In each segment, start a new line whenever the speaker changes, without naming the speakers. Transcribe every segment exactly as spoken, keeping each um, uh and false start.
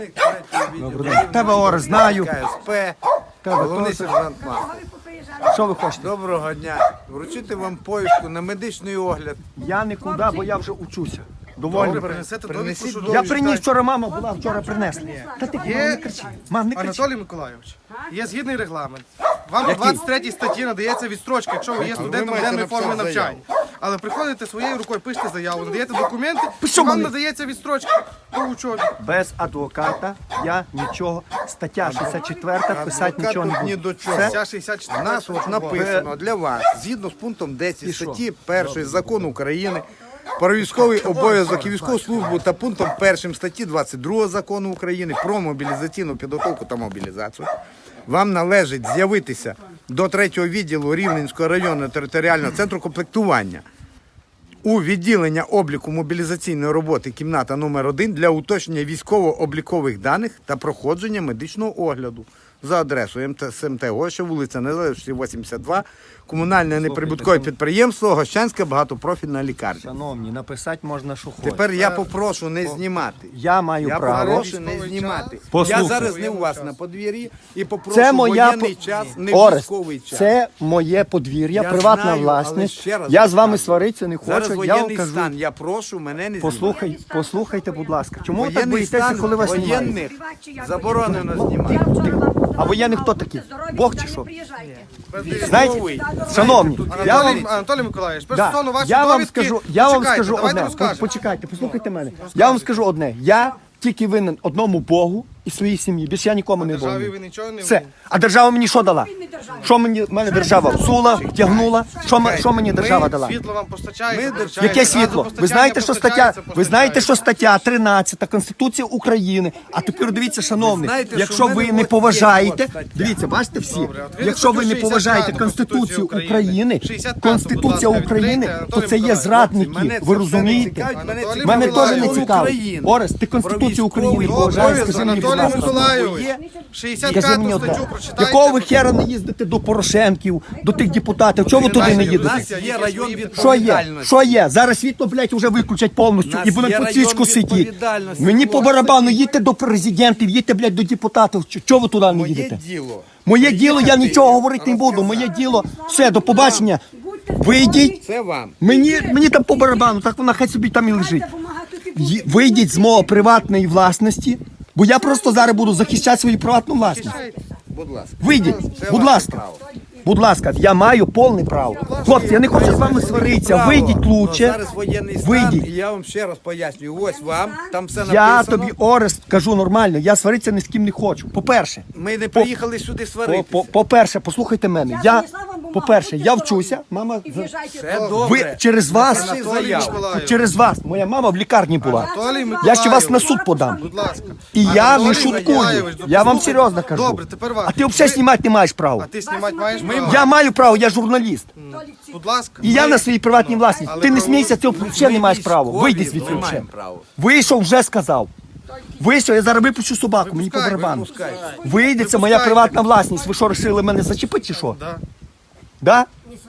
Тебе Орес знаю.
КСП,
Тебе
головний
теж.
сержант Махов.
Що ви хочете?
Доброго дня. Вручити вам повістку на медичний огляд.
Я нікуди, бо я вже учуся. Доволі.
Принесете
Принесіть
довідку, що
Я
довідку
приніс
читаєте.
вчора, мама була, вчора принесла. Та ти мам, не кричи. Мам, не кричи.
Анатолій Миколайович, є згідний регламент. Вам по двадцять третій статті надається відстрочка, якщо ви є студентом
маєте
денної форми
написати
навчання. Але приходите своєю рукою, пишете заяву, надаєте документи,
Пишу
і вам
мені.
надається відстрочка по учобі.
Без адвоката я нічого. Стаття шістдесят четверта, писати нічого не
Ні
буду.
до чого.
Все?
Ця шістдесят
У
чотири.
нас от написано для вас, згідно з пунктом десять статті першої Закону України про військовий обов'язок і військову службу та пунктом першим статті двадцять другого Закону України про мобілізаційну підготовку та мобілізацію, вам належить з'явитися до третього відділу Рівненського районного територіального центру комплектування у відділення обліку мобілізаційної роботи кімната номер один для уточнення військово-облікових даних та проходження медичного огляду за адресою СМТ Гоща, вулиця Незалежності, вісімдесят два, комунальне неприбуткове підприємство, Гощанська багатопрофільна лікарня.
Шановні, написати можна, що хочеш.
Тепер я попрошу не знімати.
Я маю
Я
право.
попрошу не знімати.
Послухай.
Я зараз не у вас на подвір'ї і попрошу
Це моя
воєнний
по-
час, не
Орест,
військовий час.
це моє подвір'я,
Я
приватна
знаю, але
власність.
ще раз
Я з вами
кажу.
сваритися не
Зараз
хочу. Я вам
воєнний
кажу.
стан, я прошу мене не знімати.
Послухай, послухайте, будь ласка. Чому ви так
Воєнний
боїтеся,
стан
коли вас знімають?
воєнних заборонено знімати.
А воєнний хто такий? Бог чи що?
Військовий.
Знаєте, шановні, я вам
Анатолій, Анатолій Миколайович, перш
Да.
стосовно вашої
Я вам
довідки,
скажу, я вам
почекайте,
скажу
давайте
одне.
розкажемо.
Почекайте, послухайте мене. Я вам скажу одне. Я тільки винен одному Богу і своїй сім'ї. Більше я нікому не
Державі
винен.
ви нічого не
Все.
винні.
А держава мені що дала? Що мені мене держава всула, втягнула? Що, м- що мені держава дала?
Світло вам постачає.
Ми
постачається,
Яке світло? Ви
газопостачання
знаєте, що стаття,
постачається,
ви знаєте, що
постачається.
стаття тринадцята Конституції України. А тепер дивіться, шановні,
знаєте, що
якщо
в мене
ви не
от
поважаєте,
є от стаття.
дивіться, бачите всі,
Добре, от ви
якщо ви не
статтю
поважаєте
шістдесят п'яту
Конституцію
Конституції
України,
України, шістдесят п'яту,
Конституція
будь ласка,
України,
відкрийте,
то це є
Анатолій Миколайович.
зрадники.
Мене це
Ви
все не
розумієте?
цікавить, мене
Анатолій
цікавить
Мене теж не
Миколайович.
цікаво.
України.
Орес, ти Конституцію
Про
України
військовий
поважаєш,
обов'язок,
скажи мені, будь
Анатолій
ласка.
Миколайович,
Є?
шістдесят
Скажи мені
п'яту
одне,
статтю прочитайте.
якого ви хера не їздите до Порошенків, до тих депутатів? Чого ви туди не
У
їдете?
нас є район
Що є?
відповідальності.
Що є? Зараз світло, блядь, вже виключать повністю
Нас
і будемо
є
по
район
цічку сидіти.
відповідальності.
Мені по барабану, їдьте до президентів, їдьте, блядь, до депутатів. Чо- Чого ви туди не
Моє
їдете?
діло.
Моє діло, я нічого говорити не буду. Моє діло, все, до побачення. Вийдіть.
Це вам.
Мені, мені там по барабану, так вона хай собі там і лежить. Ї- Вийдіть з мого приватної власності, бо я просто зараз буду захищати свою приватну власність.
Будь ласка.
Вийдіть,
Це
будь
ваше
ласка.
право.
Будь ласка, я маю повне право. Хлопці, я не хочу з вами сваритися.
Право.
Вийдіть
Ну,
лучше.
Зараз воєнний стан,
Вийдіть.
і я вам ще раз пояснюю. Ось вам, там все написано.
Я тобі, Орест, кажу нормально, я сваритися ні з ким не хочу. По-перше,
Ми не приїхали сюди
по-
сваритися.
по- по-перше, послухайте мене. Я, по-перше, я вчуся, мама,
Все добре.
ви через вас,
Напиши
Анатолій
заяву.
Миколайович.
через вас, моя мама в лікарні була.
Анатолій
Я ще вас на
Миколайович.
суд подам.
Будь ласка.
І я
Анатолій
не шуткую.
Миколайович,
Я вам
послухайте.
серйозно кажу.
Добре, тепер вас.
А ти взагалі знімати не маєш права.
А ти знімати маєш право?
Я маю право, я журналіст.
Будь ласка.
І я
Ми-
на своїй приватній власності.
але
Ти не
право-
смійся, ти взагалі не маєш права.
Військові,
Вийди звідси
ми
взагалі.
маємо право.
Вийшов, вже сказав. Вийшов, я зараз випущу собаку, мені по
Випускай,
барабану.
Випускай.
Вийде, це моя
Випускайте.
приватна власність. Ви що, вирішили мене зачепити чи що?
Да.
Да?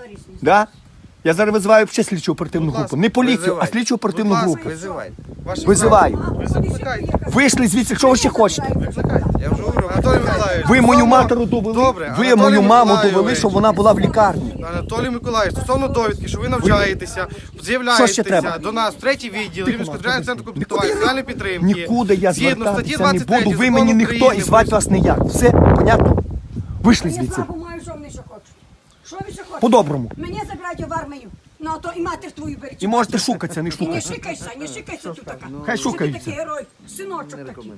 Да? Я зараз визиваю ще слідчу оперативну групу. Не поліцію, а
Визивай.
слідчу оперативну
Будь ласка,
групу.
Визивайте.
Ваше
Визиваю.
право. Ви закликайте.
Вийшли звідси, що ви ще хочете?
Закликайте. Я вже говорю, Анатолій Миколайович.
Ви мою
стосовно-
матеру довели,
Добре,
ви
Анатолій
мою маму
Миколайович.
довели, щоб вона була в лікарні.
Анатолій Миколаївич, стосовно довідки, що ви навчаєтеся,
Що ще
з'являєтеся
треба?
до нас в третій відділ Рівненського державного центру комплектування
Нікуди-
соціальної підтримки.
Нікуди я
Згідно статті
звертатися не
двадцять три
буду, ви
Закону
мені ніхто
України
і звати вас ніяк. Все, понятно? Вийшли
Я
звідси.
слабо маю, що вони ще хочуть. Що ви ще хочете?
По-доброму.
Мене забирають в армію. Ну, а то і матір твою беруть.
І можете шукатися, не
І не
шукатися.
шикайся, не шикайся тут така.
Хай
Що ти
шукаються.
такий герой, синочок такий.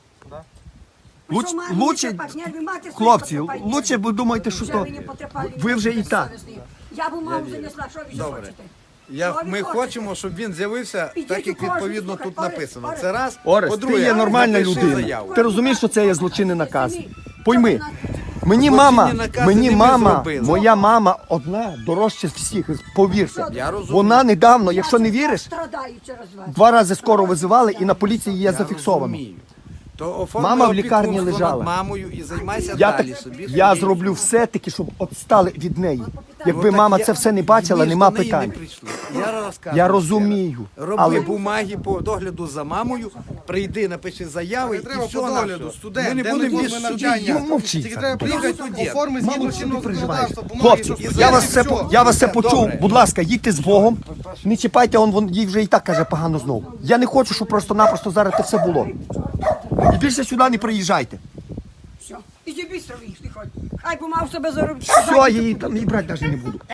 Луч,
Що, мамі,
лучше,
потрапать, нерви матері свої
хлопці,
потрапають.
лучше ви думаєте, що
Вже
то
мені потрапали
ви вже і
нерви
так.
совісні. Я бумагу занесла, що ви ще
Добре.
хочете?
Я,
Що ви
ми
хочете?
хочемо, щоб він з'явився
Ідіть
так, як
у кожен,
відповідно
слухай,
тут
Орес,
написано.
Орес.
Це раз.
Орес,
По-друге,
ти є нормальна
напиши
людина.
заяву.
Ти розумієш, що це є злочинний наказ?
Самі.
Пойми, мені
Злочинні
мама,
накази
мені
не ми
мама,
зробили.
моя мама одна дорожча з всіх, повірте.
Я розумію.
Вона недавно, якщо не віриш,
Страдаю через вас.
два рази скоро визивали і на поліції є зафіксовано.
Розумію. То оформи
Мама в лікарні
опікунство
лежала.
над мамою і займайся
Я,
далі
так,
собі.
я
своєю.
зроблю все таки, щоб відстали від неї. Якби
Ну,
мама
так
це
я-
все не бачила,
ви ж
нема
до неї не
питань.
прийшли. Я розказую.
Я
ще
розумію,
раз. Роби
але-
бумаги по догляду за мамою, прийди, напиши заяви
Не
і
треба
все
по
на
догляду,
все.
студент,
Ми не
де
будемо
ми
без
тут, ми
судів.
навчання.
Ну, мовчіть.
Тільки треба приїхати по формі
Мало
згідно
що ти
чинного
переживаєш.
законодавства, бумаги,
Хлопці,
щоб
я вас
все,
все, я вас все почув.
Добре.
Будь ласка, їдьте з Богом. Не чіпайте, он, вон, їй вже і так каже погано знову. Я не хочу, щоб просто-напросто зараз це все було. І більше сюди не приїжджайте.
Все. Іди швидко, не ходь. Хай бумагу себе заробити.
Все, я її там і брати навіть не буду.